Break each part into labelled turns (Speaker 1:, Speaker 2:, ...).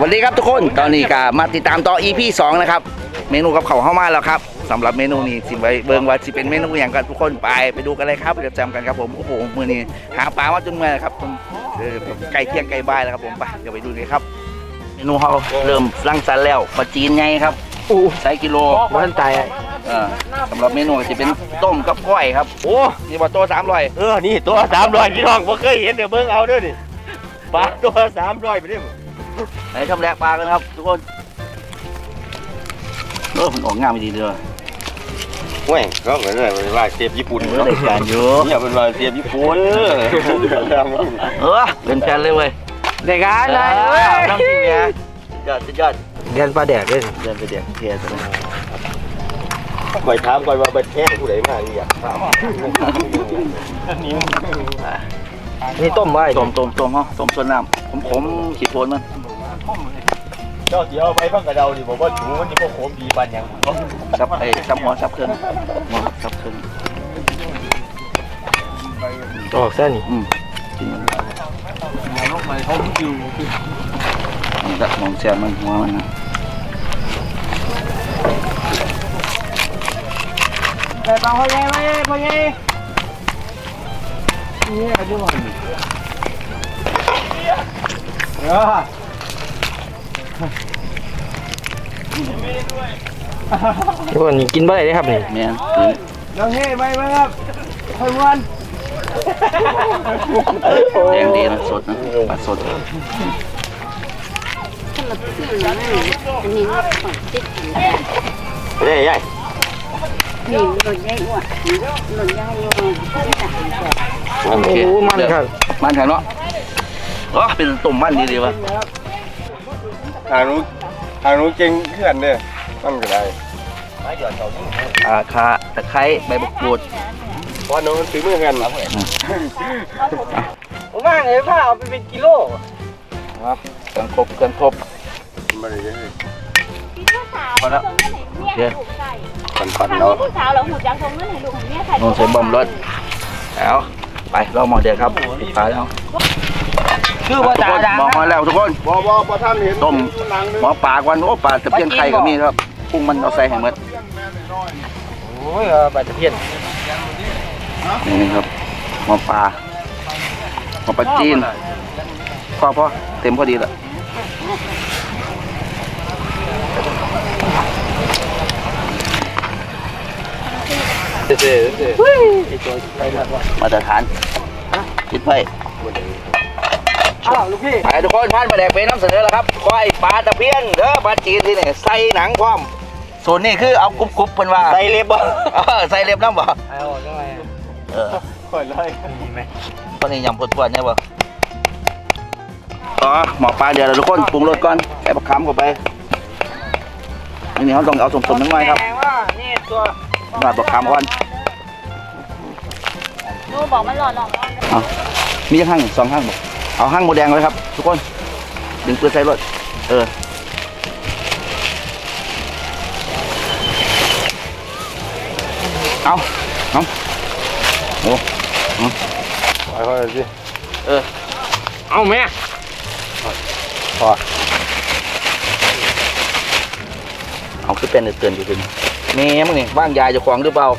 Speaker 1: วัสดีครับทุกคนตอนนี้ก็มาติดตามต่อ EP 2นะครับเมนูกับเขาเข้ามาแล้วครับสำหรับเมนูนี้สิไว้เบิ่งว่าสิเป็นเมนูอย่างกันทุกคนไปดูกันเลยครับเดี๋ยวจำกันครับผมโอ้โหมื้อนี้หาปลามาจนเมื่อยครับผมใกล้เที่ยงใกล้บ่ายแล้วครับผมไปเดี๋ยวไปดูเลยครับเมนูเขาเริ่มรังสรรค์แล้วปลาจีนไงครับใส่กิโล
Speaker 2: บ้านตาย
Speaker 1: สำหรับเมนูจะเป็นต้มกับก้อยครับโอ้นี่ว่าตัว300
Speaker 2: นี่ตัว300พี่น้องบ่เคยเห็นเดี๋ยวเบิ่งเอาเด้อนี่ปลาตัว300ไปเด้อ
Speaker 1: ไหนทำแรกปลากันครับทุกคนมันออกงามดีเด้อ
Speaker 2: โอ้ยก็เหมือนว่าเชฟญี่ปุ่น
Speaker 1: เนาะรายการอยู่
Speaker 2: เนี่ยเป็นว่าเชฟญี่ปุ่น
Speaker 1: เป็นแฟนเลยเว้ย
Speaker 2: รายการเลย
Speaker 1: ต้องจริงเนี่ยยอด
Speaker 2: เรียนปลาแดกด้วย
Speaker 1: เรียนปลาแดกเทียร์
Speaker 2: คอยถามคอยว่าเป็นแท้ผู้ใดมาอยากถามนี่ต้มไว้
Speaker 1: ต้มเนาะต้มส่วนน้ำผมขีดโทนมัน
Speaker 2: เจ้าเสียวไปพังกระเดาดิบอกว่าถูมันนี่พวกโขมดีปันยัง
Speaker 1: ซับหัวซับเครื่อง
Speaker 2: ออกเส้นนี่
Speaker 1: กินมันลงไปเขาคิวมันจะมองเสียมันหัวมันนะ
Speaker 2: แต่ปลาพ่อใหญ่ไหมพ่อใหญ่นี่อายุมันทุกคนนี่กินบ่ได้เลยครับนี่
Speaker 1: แม่
Speaker 2: น้องเฮ้ไปไหมครับค่อยวัน
Speaker 1: แดงดีนะสดนะปลาสด
Speaker 2: เฮ้ยยัย
Speaker 3: นี่หล่นใหญ่กว่าหล่นใหญ่กว่า
Speaker 1: โอเค
Speaker 2: มันครับ
Speaker 1: มันแข็งเนาะเป็นตุ่มมันดีวะ
Speaker 2: หารู้เก่งเพื่อนเนี่ยมันก็ได้
Speaker 1: คาตะไคร้ใบมะกรูด
Speaker 2: เพราะน้องซื้อมือกันผมว่าไงผ้าเอาไปเป็นกิโล
Speaker 1: เครื่องครบ
Speaker 2: มาเลย
Speaker 1: พอแล้วเดี๋ยว
Speaker 3: ปั่นเนาะผู้สาวเราหูจังทรงนั่นให้ลูกเนี่ยใส่
Speaker 1: นอนใส่บอมรถแล้วไปเราหมอเดียวครับตายแล้ว
Speaker 2: คือว่าจ่าดัง
Speaker 1: มองมาแล้วทุกคน
Speaker 2: พอท่านเห็น
Speaker 1: ต้มหมอปลาวันโอ้ปลาตะเพียนไข่ก็มีครับพุ่งมันเอาใส่แห้งหมด
Speaker 2: โอ้ยปลาตะเพียน
Speaker 1: นี่ครับหมอปลาจีนพอเต็มพอดีแล้วมาตรฐานคิดไป
Speaker 2: ลูกพี่
Speaker 1: ไปทุกคนท่านมาแดกเป็นน้ำเสนอแล้วครับก้อยปลาตะเพียนเด้อปลาจีนที่นี่ใส่หนังพร้อมส่วนนี้คือเอากรุบๆเพิ่นว่า
Speaker 2: ใส่เล็บบ่
Speaker 1: ใส่เล็บน้ำบ่
Speaker 2: ค่อยเลยไหม
Speaker 1: ตอนนี้ยำปวดๆเนี่ยบ่หมอปลาเดี๋ยวเราทุกคนปรุงรสก่อนใส่ผักขามเข้าไปนี่เขาต้องเอาสมๆนิดหน่อยครับมาผักขามก่อน
Speaker 3: นูบอกมันหล่อ
Speaker 1: มีห้าง2ห้างบอกเอาห้างโมแดงเลยครับทุกคนดึงปืนใส่รถเอาโอ้
Speaker 2: ค่อยๆสิเอาแม่พอ
Speaker 1: เอาขึ้นเป็นเตือนอยู่ถึงแม่มึงนี่ว่างยายจะขวางหรือเปล่า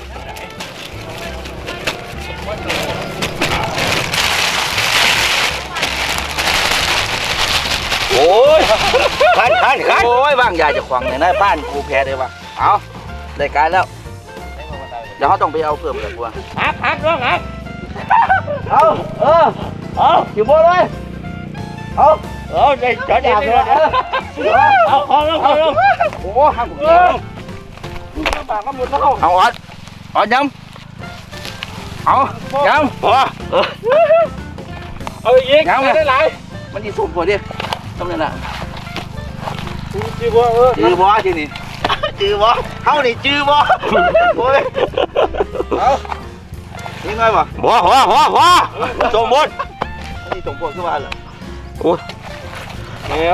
Speaker 2: โอ้ยขัน
Speaker 1: โอ้ยว่างยายจะขวางเนี่ยนะบ้านกูแพ้เลยว่ะเอาได้การแล้วเดี๋ยวเขาต้องไปเอาเพิ่มเลยกู
Speaker 2: ฮักน้องฮักเอาอยู่บนเลยเอาได้จอดอย่างเลยเอาคอลง
Speaker 1: โอ้หักปากก็หมดแล้วเอาออดย้ำเอาย้ำ
Speaker 2: เอาอีกย้ำได้หลาย
Speaker 1: มันดีสุ่มกว่าดิต้องนั่นแหละ
Speaker 2: จื้อบ่
Speaker 1: ที่นี่จื้อบ่เขานี่จื้อบ่โอ้ยเอานี่ไงบ่
Speaker 2: สมบูรณ์
Speaker 1: นี่สมบูรณ์ขึ้นมาแล้ว
Speaker 2: โอ้ยแม่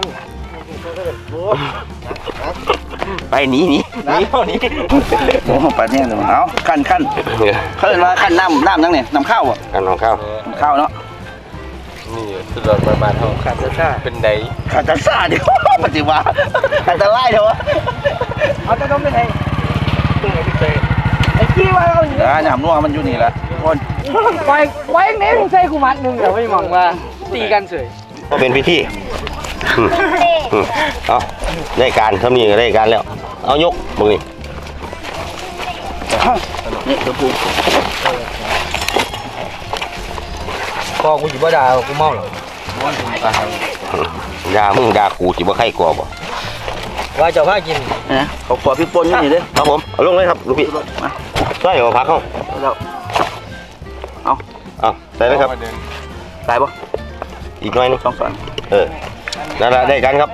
Speaker 2: ไปหนี
Speaker 1: โอ้ปัดเนี่ยเลยเอาขั้นเขาเรียกว่าขั้นน้ำนั่งเนี่ยน้ำข้าวอ่ะ
Speaker 2: ขั้นน้ำข้าว
Speaker 1: เนาะ
Speaker 2: นี่สุดยอดมาเท่าขาดซ่าเป็นได
Speaker 1: ขาตาซ่าเดี๋ยวปฏิวัติขาตาไล่เดี๋ยว
Speaker 2: เอาจะต้องเป็นไงตึ้งไอ้พี่เตยไอ้ขี้ว่าเราอยู่
Speaker 1: หนามนัวมันอยู่นี่แหละคน
Speaker 2: ไว้เน้นใส่กูมัดนึงแต่ไม่มองว่าตีกันเฉย
Speaker 4: ก็เป็นพิธีเอาได้การทำนี่ก็ได้การแล้ว เอายกมึงนี่
Speaker 1: นี่ตัวปู
Speaker 2: ก็กูอยู่บ้าดากูเมาหรอ
Speaker 4: ด่ามึงด่ากูสิบ่ใครกลัวบ่
Speaker 2: ว่าจะพากิน
Speaker 1: นะเขาขอพี่ปนอยู่นี่เด้
Speaker 4: ครับผมเอาลงเลยครับลูกพี่
Speaker 1: มา
Speaker 4: ใส่เอาพักเข้า
Speaker 1: แล้ว
Speaker 4: เอาใส่เลยครับ
Speaker 1: ตายปะ
Speaker 4: อีกหน่อยหนึง
Speaker 1: สองส่วน
Speaker 4: นั่นแหละได้กันครับ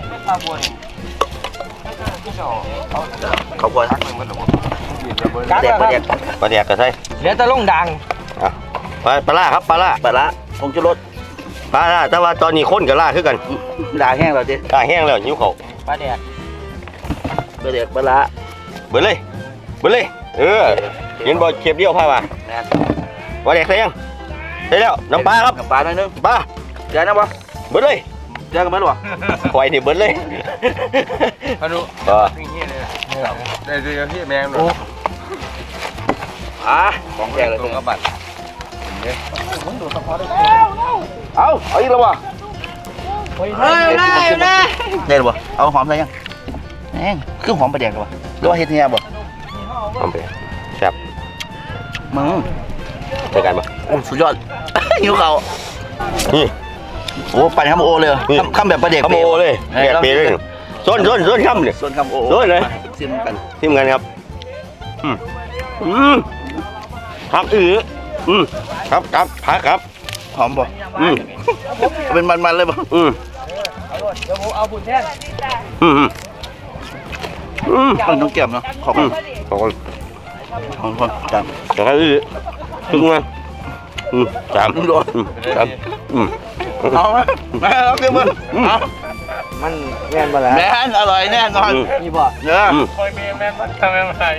Speaker 1: เขาขอ
Speaker 2: กัด
Speaker 1: แดก
Speaker 2: ค
Speaker 1: ป
Speaker 2: รั
Speaker 1: ลา
Speaker 2: บ
Speaker 1: แดก
Speaker 4: ปลาแดกก็ใส่
Speaker 2: เหลือแต่ลงดัง
Speaker 4: ปลาล่าครับปลาล่า
Speaker 1: ปลาละผงชูรส
Speaker 4: ปลาล่าแต่ว่าตอนนี้คนกับล่าคือกัน
Speaker 1: ด่าแห้งเราดิ
Speaker 4: ล่าแห้งแล้วหิวเขาว
Speaker 2: ปลาแดก
Speaker 1: ปลาแดกปลาละ
Speaker 4: เบิดเลยเห็นบ่เข็บเดียวพามา
Speaker 1: แน่
Speaker 4: ปลาแดกใส่ยังใส่แล้วน้ำปลาครับ
Speaker 1: น้ำปลาหน่อยนึง
Speaker 4: ปลา
Speaker 1: เจอนะปะ
Speaker 4: เบิดเลย
Speaker 1: เจอกันไหมหรอ
Speaker 4: ควายนี่เบิดเลย
Speaker 2: พานุ
Speaker 4: เออ
Speaker 2: ได้ดีกับพี่แมงหน่อย
Speaker 1: ของแจกเลย
Speaker 2: ตรงกระบัด
Speaker 1: เอาอีกแล้ววะได้หรือเปล่าเอาหอมใส่ยังแห้งคือหอมปลาแดกหรือเปล่าหรือว่าเฮ็ดเนี่ยบ่
Speaker 4: ทำไปแซ่บ
Speaker 1: มึง
Speaker 4: ใส่กันปะ
Speaker 1: โอ้สุดยอด หิวเขา
Speaker 4: นี่
Speaker 1: โอ้ปั่นคำโอเลยคำแบบปลาแดก
Speaker 4: ขโมยเลยแดกเปรี้ยวเลยส้นข้ามเลย
Speaker 1: ส่วนคำโอ
Speaker 4: โดนเลย
Speaker 1: ซิมกัน
Speaker 4: ทีมงานครับพักครับพักครับ
Speaker 1: หอมบ่
Speaker 4: อืม
Speaker 1: เป็นมันๆเลยบ่
Speaker 2: เดี๋ยวผมเอาบุญแทน
Speaker 1: ต้องเก็บเนาะขอบคุณ
Speaker 4: ขอบคุณ
Speaker 1: ขอบคุณจัง
Speaker 4: จากนั้นถึงงานสาม
Speaker 1: โดน
Speaker 4: ครับ
Speaker 1: เอาไหมแม่เราเก็บมือเอา
Speaker 2: มันแม่นบ่ล่ะ
Speaker 1: แม่นอร่อยแน่นอน
Speaker 2: นี่บ่
Speaker 1: เนื้อ
Speaker 2: คอยมีแม่นบ่ทำแม่นไร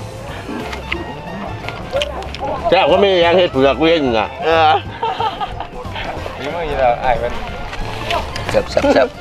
Speaker 4: แซ่บก็ไม่ยังเห็ดเผือกเว้นนะ
Speaker 2: นี่มึงอยู่แล้วไอ้มัน
Speaker 1: แซ่บ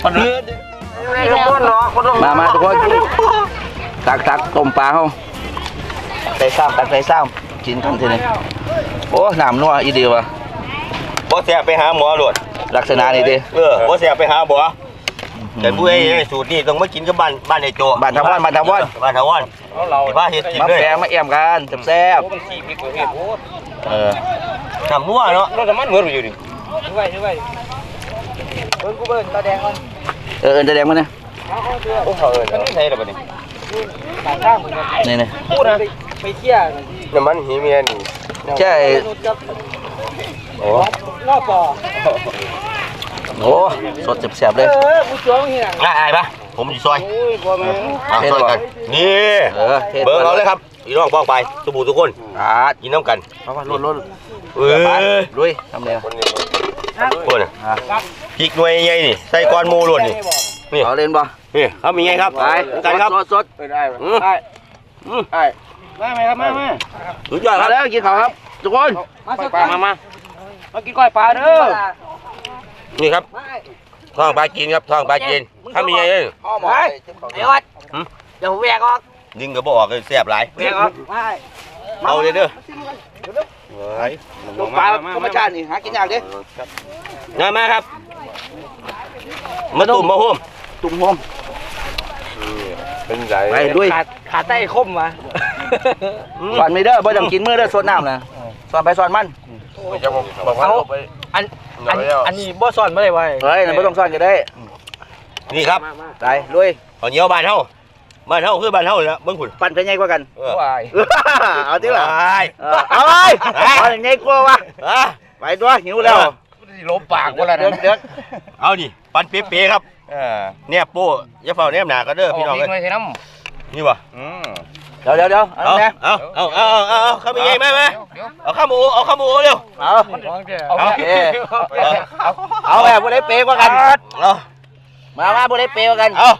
Speaker 1: มาทุกคนตักต้มปลาเขาใส่ซ้ำกินกันทีนี้โอ้หนามนัวอีเดียวว่ะ
Speaker 4: บ่แซ่บไปหาหมอหลวด
Speaker 1: ลักษณะนี้ดิ
Speaker 4: บ่แซ่บไปหาบ่แต่ผู้ใหญ่สูตรนี้ต้องมากินกับบ้านไอ้โจ
Speaker 1: บ้านทวัน
Speaker 4: บ้านทวัน
Speaker 2: เรา
Speaker 4: บ้านเฮ็ดกิน
Speaker 1: มา
Speaker 4: เลย
Speaker 1: แปลงมาเอี่ยมกันแซ่บ
Speaker 2: มันขี้พริกเห็ดโอ้
Speaker 4: ทำนัวเนาะ
Speaker 2: รถมันเหมือนอยู่ดิดูไว้เบิ้งกูเบิ้งตาแดงก่อน
Speaker 1: จะแดงมั้ยเนี่ย
Speaker 2: โอ้เขามันใช่หรอบัดนี้ต่างข้างเหมือนกัน
Speaker 1: นี่
Speaker 2: พูดนะไปเที่ยว
Speaker 4: น้ำมันหีเมียนี่
Speaker 1: ใช่
Speaker 4: โอ้
Speaker 2: งอปอ
Speaker 1: โอ้สดแซ่บเลย
Speaker 2: กูจ้วงเฮีย
Speaker 4: ง่ายปะผมอยู่ซอย
Speaker 2: โอ้ยบ่แม่
Speaker 4: ซอยกันนี่ เบอร์เราเลยครับพี่น้องป้องไปทุกผู้ทุกคนกินน้ำกัน
Speaker 1: เพราะว่าลด ลุยทำเลย
Speaker 4: คนพริกหน่วยใหญ่นี่ใส่ก้อนหมูล้วนนี่นี่
Speaker 1: เอาเล่นบ่
Speaker 4: นี่ครับมีไงครับ
Speaker 1: ไป
Speaker 4: กันครับ
Speaker 1: สด
Speaker 2: ได้ได้ได้ไหมครับแม่
Speaker 4: สุดยอดค
Speaker 1: มา
Speaker 4: รับ
Speaker 1: แล้วกินข้าวครับทุกคน
Speaker 2: มาสักมากินก้อยปลาเด้อ
Speaker 4: นี่ครับท้องปลาจีนครับท้องปลาจีนถ้ามีไงเอ้ย
Speaker 2: ไปเดี๋ยววัดเดี๋ยวแหวกออก
Speaker 4: ดึงกระบอกเลยแซ่บหลาย
Speaker 2: แหวกออกไป
Speaker 4: เอาเลยเด้อ
Speaker 1: ลูกปลาธรรมชาตินี่หากินยากดิ
Speaker 4: มาครับมาตุ่มมาห่ม
Speaker 1: ตุ่มโฮม
Speaker 2: เป็นไร
Speaker 1: ไปลุย
Speaker 2: ขาใต้คมมา
Speaker 1: สอนไม่เด้อบ่ต้องกินมื้อเด้อสดน้ำนะสอนไปสอนมัน
Speaker 2: อันนี้บ่ซ่อนไม่ได้ไว้
Speaker 1: เฮ้ยบ่ต้องสอนก็ได้
Speaker 4: นี่ครับ
Speaker 1: ไปลุย
Speaker 4: เอาเหนียวบ้านเฮาคือบ้านเฮาแล้วเบิ่งขุน
Speaker 1: ปั่นไปใหญ่กว่ากัน
Speaker 2: วาย
Speaker 1: เอาที่ละ
Speaker 4: ไป
Speaker 1: เอาไปเอาอย่างนี้กลัววะไปตัวหิวแล้ว
Speaker 2: ลบปากว่าแล้ว
Speaker 1: เด็ก
Speaker 4: เอานี่ปันเป๊ะๆครับเนี่ยโป้อย่าเฝ้าเนี่ยหนาก็เด้อพี่น้องเอ้ย
Speaker 2: ไม่ใช่น้
Speaker 4: นี่บ่
Speaker 1: เดี๋ยวเอาแม่
Speaker 4: เอาข้าวมีไงไหมเอาข้าวหมูเร็ว
Speaker 1: เอา
Speaker 2: เอา
Speaker 1: เอาแบบบ่ได้เปย์กว่ากัน
Speaker 4: เอา
Speaker 1: มาบ่ได้เปย์กว่ากัน
Speaker 4: เอา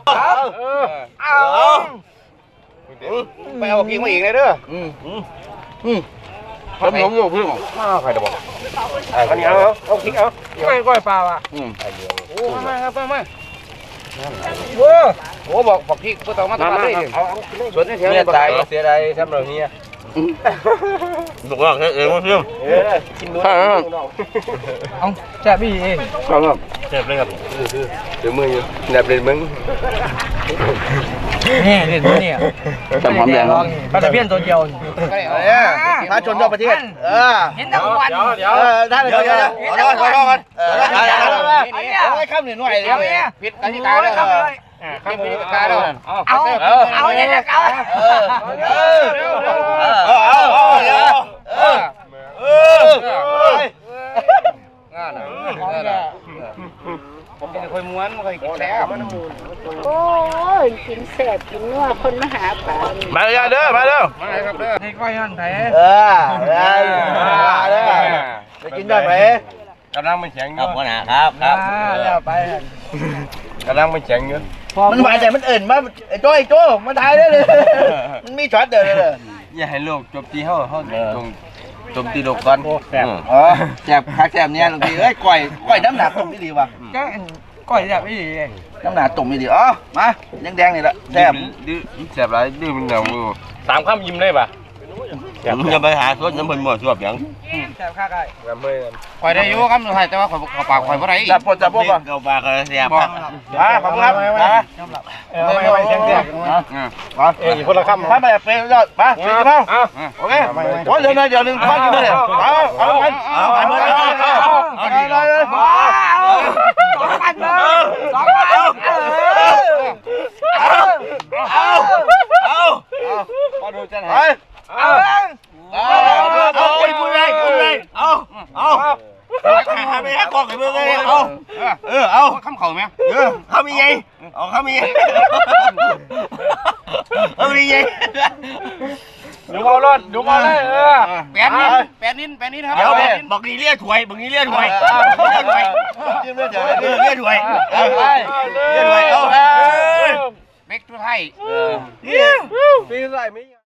Speaker 2: ไปเอากินมาอีกเลยเด้อ
Speaker 1: ผมอยู่พึ่งใครจะบอกอันนี้เอาคิกเอาไม่ก้อยปลาอ่ะโอ้มาครับมาโอ้บอกคิกเพื่อต้องมาทำได้ส่วนนี้เสียดายเสียดายทำแบบนี้
Speaker 4: บอกว่าเองว่าเพื่อน
Speaker 1: กินด้วยเอาแซ่บพี่เองครับ
Speaker 4: เจ็บเลยครับ
Speaker 1: เดี๋ยวมืออยู่แนบเล่นมึง
Speaker 2: นี่เล่นเนี่ย
Speaker 1: จำความแดง
Speaker 2: ปลาตะเพียนตัวเดียว
Speaker 1: ถ้าชนทั่วประเทศ
Speaker 2: เห็นแต่วัน
Speaker 1: เดี๋ยวถ้าเดี๋ยวขอโทษกันเอาไว้ข้ามหน่อยผิดกติกาเลยข้ามผิดกติกาเลย
Speaker 2: เอาเนี่ยจะเอา
Speaker 1: ผมเป็นคนม้วนเคยกินแซ่บ
Speaker 3: โอ้ยกินแสบกินนัวคนมาหาปลา
Speaker 1: มาเลยเด้อมาเด้อ
Speaker 2: มาครับเด้อให้ก้อยหั่นแผล
Speaker 1: จะกินได้ไหม
Speaker 2: กำลังมันแข็งอ
Speaker 4: ครั
Speaker 2: ยู่
Speaker 4: บหัวหน้าครับครับ
Speaker 2: แล้วไปกำลังมันแข็งอยู่
Speaker 1: มันหวานแต่มันเอิ่นมาไอ้โจ้มาถ่ายได้เลยมันมีช็อตเดียวเลย
Speaker 2: อย่าให้โลกจบตีเขาตรงจมตีโลกก่อนแซ่บ
Speaker 1: อ๋อแซ่บคักแซ่บเนี่ยบางทีเอ้ยก้อยน้ำหนักตรงนี้ดีว่ะ
Speaker 2: ก็ก้อยแบบนี้
Speaker 1: น้ำหนักตรงนี้ดีอ๋อมาแดงๆนี่แหละแซ่บ
Speaker 2: แซ่บไรดื้อมันเหนียว
Speaker 5: สามคำยิ้มได้ป่ะ
Speaker 4: จะไปหาสดน้ำมันหมดสวบยัง
Speaker 2: แซ่บข้าไก่
Speaker 5: คอยได้อยู่ครับสุดท้ายแต่ว่าขอปากคอยบ่ได้
Speaker 1: จับปวดจับปวดป่ะ
Speaker 4: เกาปลาก็เสียบ
Speaker 1: ขอบคุณครับไม่เสียงเสียง
Speaker 5: อีกคนละคำ
Speaker 1: ถ้าไม่เป็นยอดมาสี่สิบห้าโอเคโอ้เดี๋ยวหนึ่งพันเลยเอาไปเลย
Speaker 2: พอดูจะไหน
Speaker 4: คุณเลยเอาไปหากองให้เบิ่งเลยเอา
Speaker 5: คำเข่าไหม
Speaker 4: เขามีไงเขามี
Speaker 5: ดูเอารถดูเอาเลยแปดนิ้นครับ
Speaker 4: เดี๋ยวบอกนี่เลี้ยถวยบอกนี่เลี้ยถวย
Speaker 1: จิ้มเลยเดี๋ยว
Speaker 4: เลี้ยถวยเอา
Speaker 5: เบ็กทุกไทย
Speaker 2: ปีใส่ไม่